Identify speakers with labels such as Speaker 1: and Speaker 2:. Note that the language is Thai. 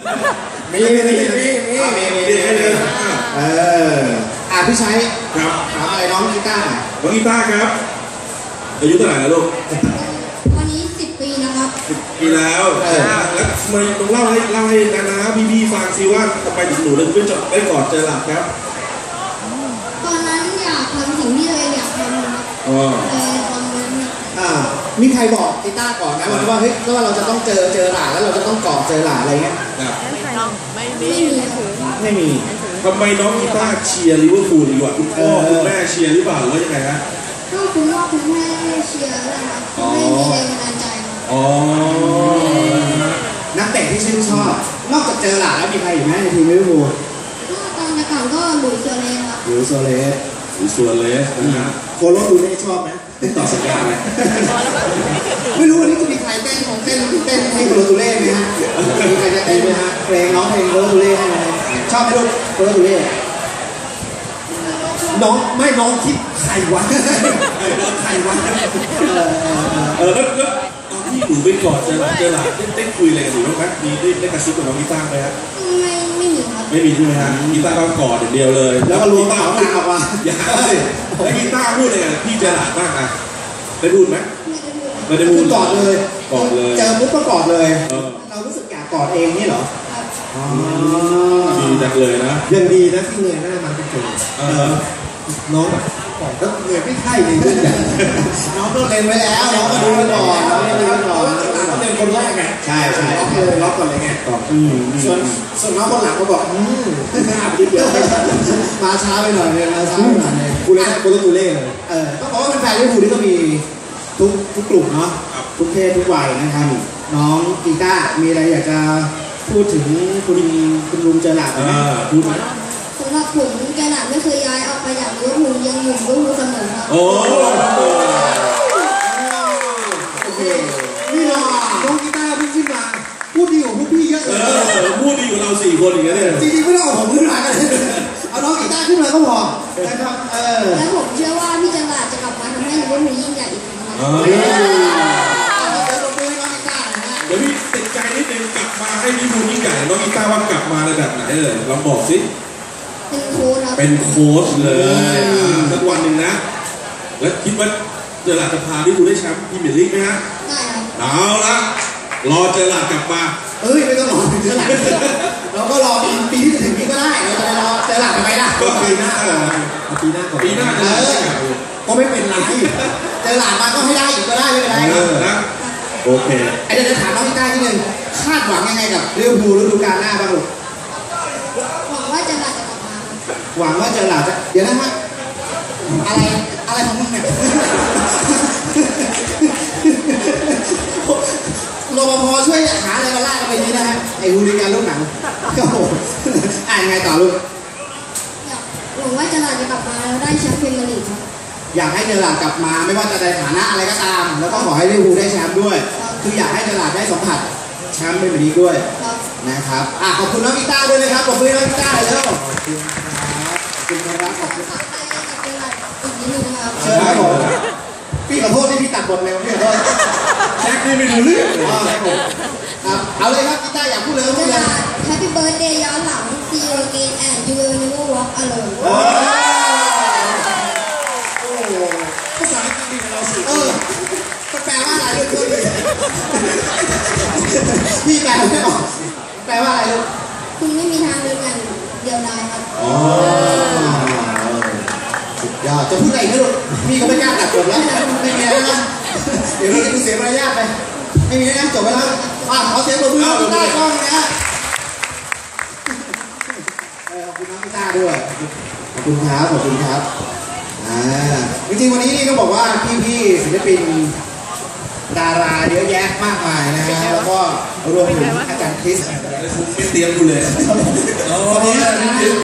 Speaker 1: มีพี่ชัย
Speaker 2: ครับ
Speaker 1: ถามอะไรน้องกีตาร์
Speaker 2: น้องกีตาร์ครับอายุเท่าไหร่แล้วลูก
Speaker 3: วันนี้10 ปีนะครับ
Speaker 2: 10 ปีแล้วแล้วทำไมต้องเล่าให้นะพี่ฟังซิว่าทำไมถึงหนูถึงได้กอดเจอหลักครับ
Speaker 3: ตอนนั้นอยากทำสิ่งที่ตัวเองอยากทำครับตอนนั้น
Speaker 1: มีใครบอกกีตาร์ก่อนนะว่าเฮ้ยว่าเราจะต้องเจอหลานแล้วเราจะต้องกอดเจอหลานอะไรเงี้ย
Speaker 3: ไม่มี
Speaker 2: ทำไมน้องกีตาร์เชียร์ลิเวอร์พูลดีกว่าคุณพ่อคุณแม่เชียร์หรือเปล่าหรือว่ายังไงฮะ
Speaker 3: ก็คุณพ่อคุณแม่เชียร์นะครับไม่มีแรงบันดาลใจ
Speaker 1: นักเตะที่ชื่นชอบนอกจากเจอหลานแล้วมีใครอีกไหมในทีมลิเวอร์พูล
Speaker 3: ก็ตอนแต่ก่อนก็หลุยส์โซเลสครับ
Speaker 1: หลุยส์โซเลสนะฮะโคโลดูเล่ชอบไหมต่อสัญญาไหมไม่รู้วันนี้จะมีใครเต้นให้โคโลดูเล่ไหมฮะมีใครจะเต้นไหมฮะเพลงน้องเพลงโคโลดูเล่ให้ไหมชอบไหมลูกโคโลดูเล่น้องคิดใครวะ
Speaker 2: แล้วตอนที่หนูไปกอดเจอหลานได้คุยอะไรกันหรือบ้างครับมีได้กระซิบกับน้องกีตาร์ไหมครับ
Speaker 3: ไม่มีครับ
Speaker 2: ไม่มีใช่ไหมฮะกีตาร์ก็กอดอย่างเดียวเลย
Speaker 1: แล้วก็รู้เปล่าออกมา
Speaker 2: อย่าสิแล้วกีตาร์พูดอะไรกันพี่เจอหลานบ้างอะได้พูดไหมไม่ได้พูด
Speaker 1: กอดเลยเจอปุ๊บก็กอดเลย
Speaker 2: เรา
Speaker 1: รู้สึกอยากกอดเองนี่เหรอ
Speaker 2: ดีจังเลยนะ
Speaker 1: ยังดีนะที่เงยหน้ามันเป็นคนน้องแบบก่อนก็เงยไม่ใช่เลยน้องก็เล็งไว้แล้วน้องก็ดูไว้ก่อนน้องก็ดูไว้ก่อนเล็งคนแรกไงใช่ล็อกเลยล็อกก่อนเลยไงส่วนน้องคนหลังก็บอกเดี๋ยวมาช้าไปหน่อยเลยมาช้าไปหน่อยเลยกูเล่นกูต้องดูเล่เลยต้องบอกว่าเป็นแฟนลิเวอร์พูลที่ก็มีทุกกลุ่มเนาะทุกเพศทุกวัยนะครับน้องกีตาร์มีอะไรอยากจะพูดถึงคุณลุงเจอหลาดไหมพูดไหม
Speaker 3: สำหรับผมเจอหลาดไม่เคยย้ายออกไปจากลิเวอร์พูลยังอยู่ลิเวอร์พูลเสมอครับ
Speaker 2: โอ้
Speaker 1: นี่น้องกีตาร์เพิ่งขึ้นมาพูดดีกว่าพวกพี่เยอะเลย
Speaker 2: พูดดีกว่าเรา4 คนอย่างเงี้ย
Speaker 1: จริงๆไม่ต้องเอาผมขึ้นมากันเอาน้องกีตาร์ขึ้นมาก็พอนะครับ
Speaker 3: และผมเชื่อว่าพี่เจอหลาดจะกลับมาทำให้ลิเวอร์พูลยิ่งใหญ่อีกครั้งครับ
Speaker 2: เดี๋ยวพี่ติดใจนิดนึงกลับมาให้ลิเวอร์พูลยิ่งใหญ่น้องกีตาร์ว่ากลับมาในแบบไหนเลยลองบอกสิ
Speaker 3: เป็นโค้ช
Speaker 2: เลยสักวันหนึ่งนะแล้วคิดว่าเจอหลาดจะพาลิเวอร์พูลได้แชมป์พรีเมียร์ลีกไหมฮะ
Speaker 3: ได้ครับ
Speaker 2: เอาละรอเจอหลาดกลับมา
Speaker 1: ไม่ต้องรอเจอหลาดเราก็รอปีที่จะถึงนี้ก็ได้เราจะรอเจอหลาดไปได้
Speaker 2: ก็ปีหน้า
Speaker 1: ก็ไม่เป็นไรเจอหลาดมาก็ให้ได้อีกก็ได้ไม่เป็นไร
Speaker 2: นะโอเค
Speaker 1: เดี๋ยวถามน้องกีตาร์นิดนึงคาดหวังยังไงกับลิเวอร์พูลฤดูกาลหน้าบ้างลูก
Speaker 3: หวังว่าเจอหลาดจะกลับมา
Speaker 1: หวังว่าเจอหลาดจะเดี๋ยวนะฮะอะไรของมึงเนี่ยรปภช่วยหาอะไรมาล่าไปนี้นะฮะไอ้ฮูลิแกนลูกหนังก็โหยังไงต่อลูก
Speaker 3: หวังว่าเจอหลาดจะกลับมาแล้วได้แชมป์พรีเมียร์ลีกครับ
Speaker 1: อยากให้เจอหลาดกลับมาไม่ว่าจะในฐานะอะไรก็ตามแล้วก็ขอให้ลิเวอร์พูลได้แชมป์ด้วยคืออยากให้เจอหลาดได้สัมผัสแชมป์พรีเมียร์ลีกด้วยนะครับขอบคุณน้องกีตาร์ด้วยนะครับขอบคุณน้องกีตาร์เลยแล้วขอบคุณครับขอบคุณเชิญครับผมพี่ขอโทษที่พี่ตัดบทเร็วพี่ขอโทษ
Speaker 2: แจ็คนี่ไม่รู้เรื่อง
Speaker 1: ครับเอาเลยครับกีตาร์อยากพูดเลยพูดเลย
Speaker 3: Happy Birthday ย้อนหลัง See you again and you will never walk alone
Speaker 1: ภาษาอังกฤษของเราสิแปลว่าอะไรลูกพี่แปลไม่ออกแปลว่าอะไรลูก
Speaker 3: คุณไม่มีทางเดินอย่างเดียวดายครับ
Speaker 1: สุดยอดจะพูดอะไรนะลูกพี่ก็ไม่กล้าตัดจบแล้วไม่มีอะไรนะเดี๋ยวเราจะดูเสียมารยาทไปไม่มีนะจบไปแล้วขอเสียงปรบมือกีตาร์ก้องนะขอบคุณน้องกีตาร์ด้วยขอบคุณครับขอบคุณครับจริงๆวันนี้นี่ต้องบอกว่าพี่ๆศิลปินดาราเยอะแยะมากมายนะฮะแล้วก็รวมถึงอาจารย์คริส
Speaker 2: ไม่เตรียมกูเลย